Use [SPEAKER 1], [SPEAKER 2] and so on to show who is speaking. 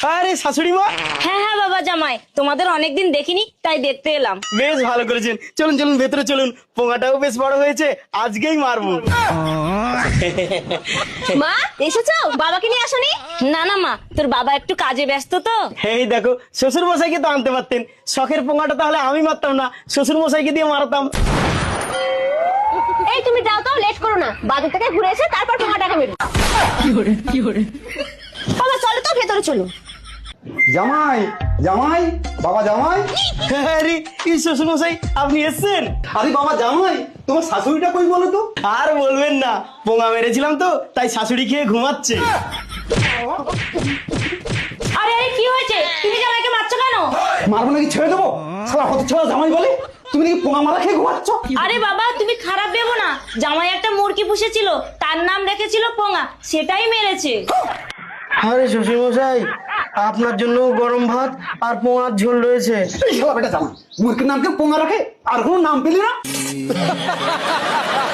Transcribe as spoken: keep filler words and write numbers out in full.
[SPEAKER 1] আরে শাশুড়ি মা।
[SPEAKER 2] হ্যাঁ হ্যাঁ বাবা জামাই, তোমাদের অনেকদিন দেখিনি তাই দেখতে এলাম।
[SPEAKER 1] বেশ ভালো করেছেন, চলুন চলুন ভেতরে চলুন, পোঙাটাও বেশ বড় হয়েছে, আজকেই মারবো।
[SPEAKER 2] মা এসেছো? বাবাকে নিয়ে আসোনি? না না মা, তোর বাবা একটু কাজে ব্যস্ত তো।
[SPEAKER 1] এই দেখো, শ্বশুর মশাইকে তো আনতে পারতেন, শখের পোঙাটা তাহলে আমি মারতাম না, শ্বশুর মশাইকে দিয়ে মারতাম।
[SPEAKER 2] এই তুমি যাও তো, লেট করো না, বাজার থেকে ঘুরে এসে তারপর পোঙাটাকে মেরো। কি করে কি করে বাবা চলো তো, ভেতরে চলো।
[SPEAKER 3] জামাই জামাই বাবা জামাই।
[SPEAKER 1] আরে এই শ্বশুর মশাই আপনি এসেছেন?
[SPEAKER 3] আরে বাবা জামাই, তোমার শাশুড়িটা কই বলো তো?
[SPEAKER 1] আর বলবেন না, পোঙা মেরেছিলাম তো তাই শাশুড়ি খেয়ে ঘুমাচ্ছে।
[SPEAKER 2] আরে আরে কি হয়েছে? তুমি জামাইকে মারছো কেন?
[SPEAKER 3] মারবো নাকি ছেড়ে দেবো? সারা হতে ছেড়া জামাই বলে তুমি নাকি পোঙা মারা খেয়ে ঘুমাচ্ছ?
[SPEAKER 2] আরে বাবা তুমি খারাপ ভেবো না, জামাই একটা মুরগি পুষেছিল, তার নাম রেখেছিল পোঙা, সেটাই মেরেছে।
[SPEAKER 1] আরে শ্বশুর মশাই, আপনার জন্য গরম ভাত আর পোঙার ঝোল রয়েছে।
[SPEAKER 3] এই শালা বেটা জামাই, মুরগির নামকে পোঙা রাখে আর কোনো নাম পেলি না?